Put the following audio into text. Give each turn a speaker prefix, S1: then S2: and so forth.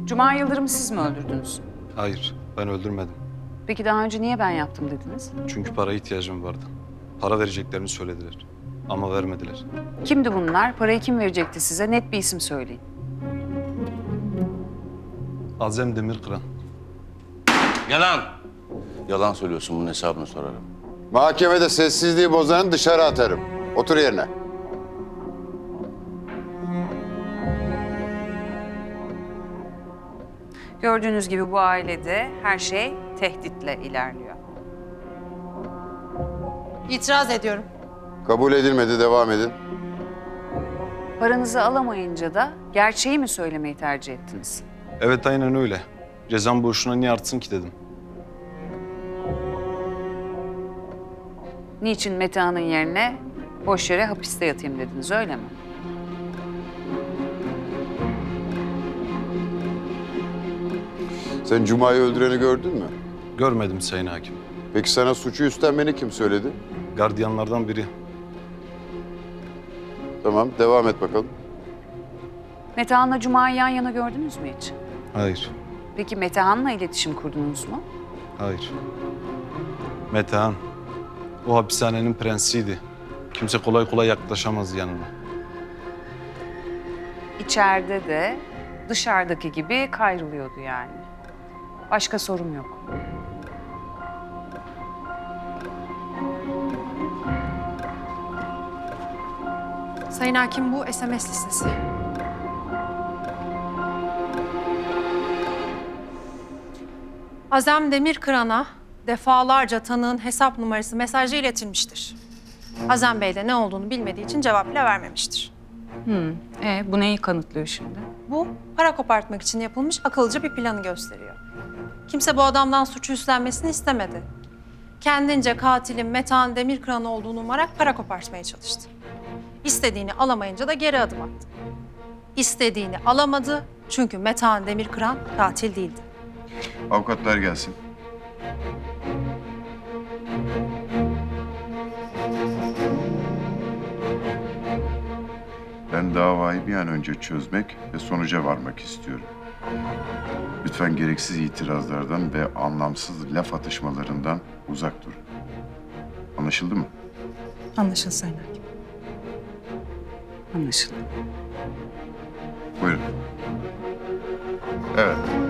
S1: Cuma Yıldırım'ı siz mi öldürdünüz?
S2: Hayır, ben öldürmedim.
S1: Peki daha önce niye ben yaptım dediniz?
S2: Çünkü paraya ihtiyacım vardı. Para vereceklerini söylediler. Ama vermediler.
S1: Kimdi bunlar? Parayı kim verecekti size? Net bir isim söyleyin.
S2: Azem Demirkıran.
S3: Yalan. Yalan söylüyorsun, bunun hesabını sorarım.
S4: Mahkemede sessizliği bozanı dışarı atarım. Otur yerine.
S1: Gördüğünüz gibi bu ailede her şey tehditle ilerliyor.
S5: İtiraz ediyorum.
S4: Kabul edilmedi, devam edin.
S1: Paranızı alamayınca da gerçeği mi söylemeyi tercih ettiniz?
S2: Evet, aynen öyle. Cezam boşuna niye artsın ki dedim.
S1: Niçin Metehan'ın yerine boş yere hapiste yatayım dediniz, öyle mi?
S4: Sen Cuma'yı öldüreni gördün mü?
S2: Görmedim Sayın Hakim.
S4: Peki sana suçu üstlenmeni kim söyledi?
S2: Gardiyanlardan biri.
S4: Tamam, devam et bakalım.
S1: Metehan'la Cuma'yı yan yana gördünüz mü hiç?
S2: Hayır,
S1: Peki Metehan'la iletişim kurdunuz mu?
S2: hayır. Metehan, o hapishanenin prensiydi. Kimse kolay kolay yaklaşamaz yanına.
S1: İçeride de dışarıdaki gibi kayrılıyordu yani. Başka sorum yok.
S5: Sayın Hakim, bu SMS listesi. Azem Demirkıran'a defalarca tanığın hesap numarası mesajı iletilmiştir. Azem Bey de ne olduğunu bilmediği için cevap bile vermemiştir.
S1: Bu neyi kanıtlıyor şimdi?
S5: Bu, para kopartmak için yapılmış akılcı bir planı gösteriyor. Kimse bu adamdan suçu üstlenmesini istemedi. Kendince katilin Metehan Demirkıran olduğunu umarak para kopartmaya çalıştı. İstediğini alamayınca da geri adım attı. İstediğini alamadı çünkü Metehan Demirkıran katil değildi.
S4: Avukatlar gelsin.
S6: Ben davayı bir an önce çözmek ve sonuca varmak istiyorum. Lütfen gereksiz itirazlardan ve anlamsız laf atışmalarından uzak durun. Anlaşıldı mı?
S5: Anlaşıldı Sayın Hakim.
S1: Anlaşıldı.
S6: Buyurun. Evet.